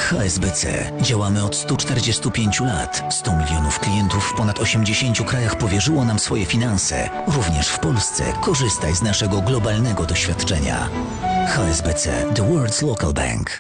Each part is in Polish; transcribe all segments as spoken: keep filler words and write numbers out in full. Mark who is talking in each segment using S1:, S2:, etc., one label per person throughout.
S1: H S B C. Działamy od stu czterdziestu pięciu lat. sto milionów klientów w ponad osiemdziesięciu krajach powierzyło nam swoje finanse. Również w Polsce korzystaj z naszego globalnego doświadczenia. H S B C. The World's Local Bank.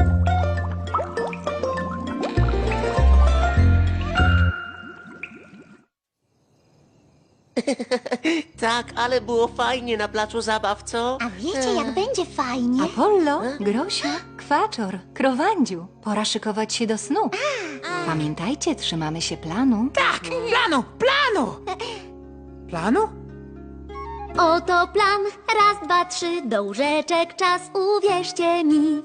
S2: Tak, ale było fajnie na placu zabaw, co?
S3: A wiecie, jak będzie fajnie?
S4: Apollo, Grosia, Kwaczor, Krowandziu. Pora szykować się do snu. Pamiętajcie, trzymamy się planu.
S5: Tak, planu, planu! Planu?
S3: Oto plan, raz, dwa, trzy, do łóżeczek czas, uwierzcie mi.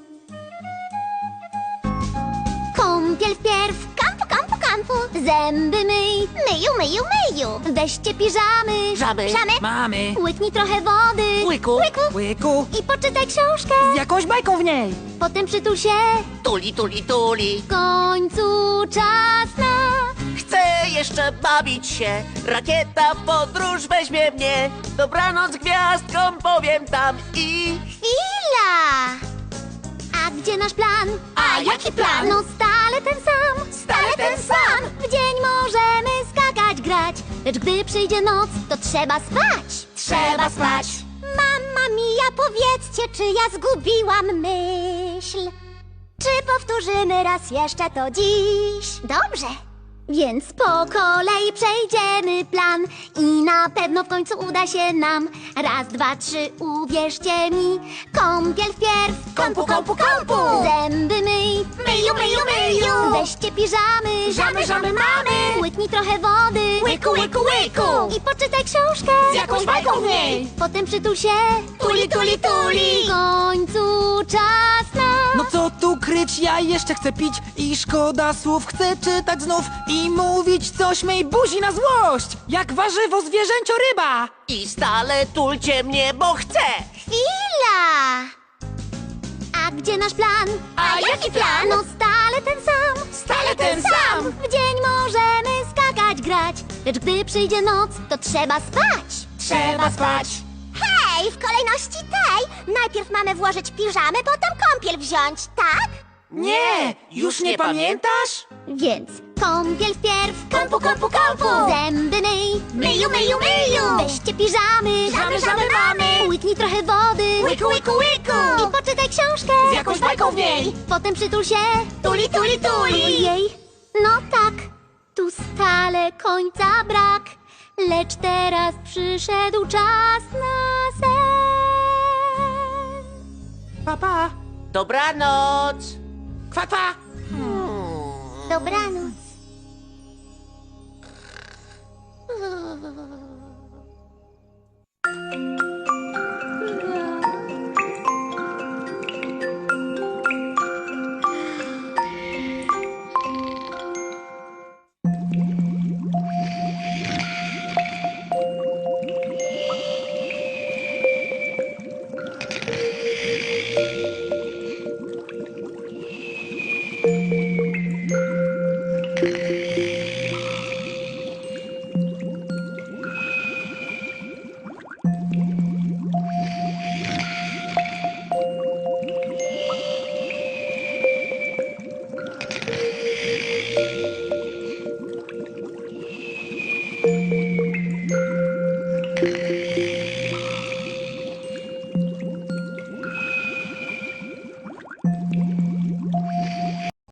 S3: Kąpiel wpierw, kampu, kampu, kampu, zęby myj, myju, myju, myju. Weźcie piżamy,
S2: Żamy.
S3: żamy.
S5: Mamy.
S3: Łyknij trochę wody,
S2: Łyku.
S3: łyku.
S5: Łyku,
S3: I poczytaj książkę,
S5: z jakąś bajką w niej.
S3: potem przytul się.
S2: Tuli, tuli, tuli.
S3: W końcu czas na...
S2: Chcę jeszcze bawić się. Rakieta w podróż weźmie mnie. Dobranoc gwiazdkom powiem tam i...
S3: Chwila! A gdzie nasz plan?
S2: A jaki plan?
S3: No stale ten sam,
S2: Stale ten sam.
S3: W dzień możemy skakać, grać, lecz gdy przyjdzie noc, to trzeba spać.
S2: Trzeba spać.
S3: Mama mia, powiedzcie, czy ja zgubiłam myśl? Czy powtórzymy raz jeszcze to dziś? Dobrze. Więc po kolei przejdziemy plan i na pewno w końcu uda się nam. Raz, dwa, trzy, uwierzcie mi. Kąpiel wpierw,
S2: Kąpu, kąpu, kąpu.
S3: zęby myj,
S2: Myju, myju, myju.
S3: weźcie piżamy,
S2: Żamy, żamy mamy.
S3: łyknij trochę wody,
S2: Łyku, łyku, łyku.
S3: i poczytaj książkę
S2: Z jakąś bajką w niej.
S3: Potem przytul się.
S2: Tuli, tuli, tuli.
S3: W końcu czas na...
S5: No co tu kryć, ja jeszcze chcę pić i szkoda słów, chcę czytać znów i mówić coś mej buzi na złość, jak warzywo zwierzęcio ryba.
S2: I stale tulcie mnie, bo chcę.
S3: Chwila! A gdzie nasz plan?
S2: A jaki plan?
S3: No stale ten sam.
S2: Stale ten sam.
S3: W dzień możemy skakać, grać, lecz gdy przyjdzie noc, to trzeba spać.
S2: Trzeba spać.
S3: Hej, w kolejności tej najpierw mamy włożyć piżamy, potem kąpiel wziąć, tak?
S5: Nie, już nie pamiętasz?
S3: Więc kąpiel wpierw,
S2: Kąpu, kąpu, kąpu.
S3: zęby myj,
S2: Myju, myju, myju.
S3: weźcie piżamy,
S2: Żamy, żamy mamy.
S3: łyknij trochę wody,
S2: Łyku, łyku, łyku.
S3: i poczytaj książkę
S2: Z jakąś bajką w niej.
S3: Potem przytul się.
S2: Tuli, tuli, tuli.
S3: Ojej, no tak, tu stale końca brak, lecz teraz przyszedł czas na sen.
S5: Papa,
S2: Dobranoc.
S5: kwa, kwa.
S3: Dobranoc.